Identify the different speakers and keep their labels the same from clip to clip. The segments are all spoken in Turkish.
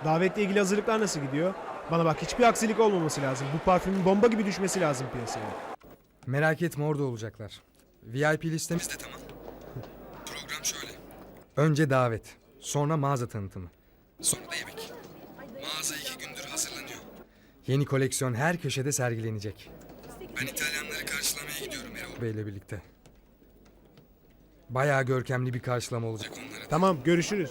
Speaker 1: Davetle ilgili hazırlıklar nasıl gidiyor? Bana bak, hiçbir aksilik olmaması lazım. Bu parfümün bomba gibi düşmesi lazım piyasaya.
Speaker 2: Merak etme, orada olacaklar. VIP listemiz de tamam. Program şöyle. Önce davet. Sonra mağaza tanıtımı. Sonra da yemek. Mağaza 2 gündür hazırlanıyor. Yeni koleksiyon her köşede sergilenecek. Ben İtalyanları karşılamaya gidiyorum Erol Bey'le birlikte. Bayağı görkemli bir karşılama olacak onlara.
Speaker 1: Tamam, görüşürüz.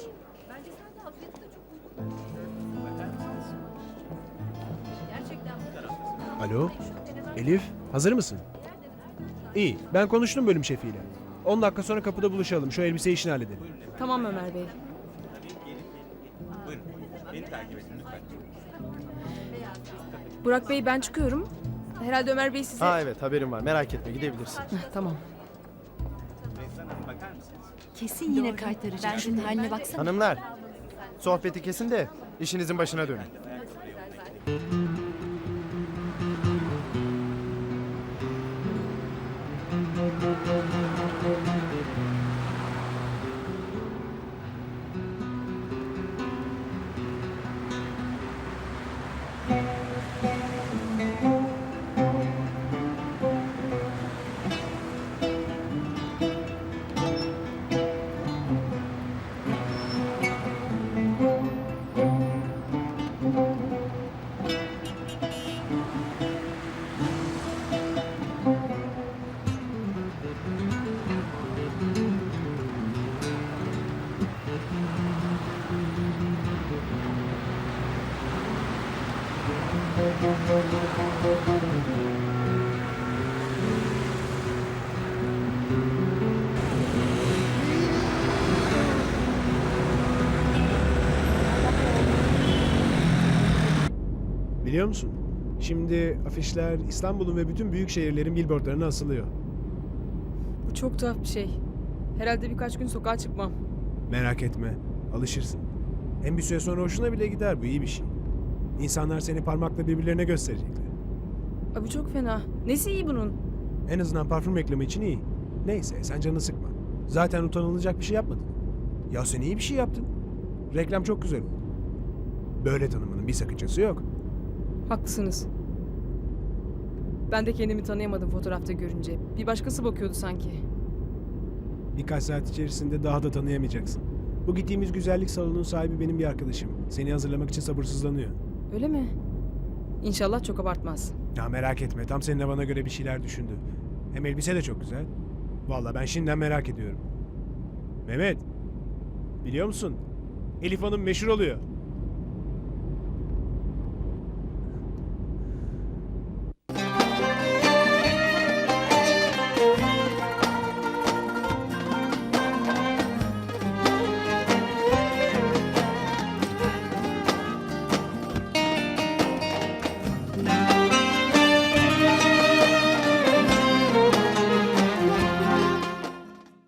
Speaker 1: Alo, Elif, hazır mısın? İyi, ben konuştum bölüm şefiyle. 10 dakika sonra kapıda buluşalım, şu elbise işini halledelim.
Speaker 3: Tamam Ömer Bey. Burak Bey, ben çıkıyorum. Herhalde Ömer Bey size...
Speaker 4: Ha evet, haberim var, merak etme, gidebilirsin.
Speaker 3: Tamam.
Speaker 5: Kesin yine kaytaracak. Ben şunun haline baksana.
Speaker 4: Hanımlar, sohbeti kesin de işinizin başına dönün.
Speaker 1: Biliyor musun? Şimdi afişler İstanbul'un ve bütün büyük şehirlerin billboardlarına asılıyor.
Speaker 3: Bu çok tuhaf bir şey. Herhalde birkaç gün sokağa çıkmam.
Speaker 1: Merak etme, alışırsın. Hem bir süre sonra hoşuna bile gider, bu iyi bir şey. İnsanlar seni parmakla birbirlerine gösterecekler.
Speaker 3: Abi çok fena. Nesi iyi bunun?
Speaker 1: En azından parfüm reklamı için iyi. Neyse, sen canını sıkma. Zaten utanılacak bir şey yapmadın. Ya sen iyi bir şey yaptın. Reklam çok güzel oldu. Böyle tanımanın bir sakıncası yok.
Speaker 3: Haklısınız. Ben de kendimi tanıyamadım fotoğrafta görünce. Bir başkası bakıyordu sanki.
Speaker 1: Birkaç saat içerisinde daha da tanıyamayacaksın. Bu gittiğimiz güzellik salonunun sahibi benim bir arkadaşım. Seni hazırlamak için sabırsızlanıyor.
Speaker 3: Öyle mi? İnşallah çok abartmaz.
Speaker 1: Ya merak etme, tam seninle bana göre bir şeyler düşündü. Hem elbise de çok güzel. Vallahi ben şimdiden merak ediyorum. Mehmet, biliyor musun? Elif Hanım meşhur oluyor.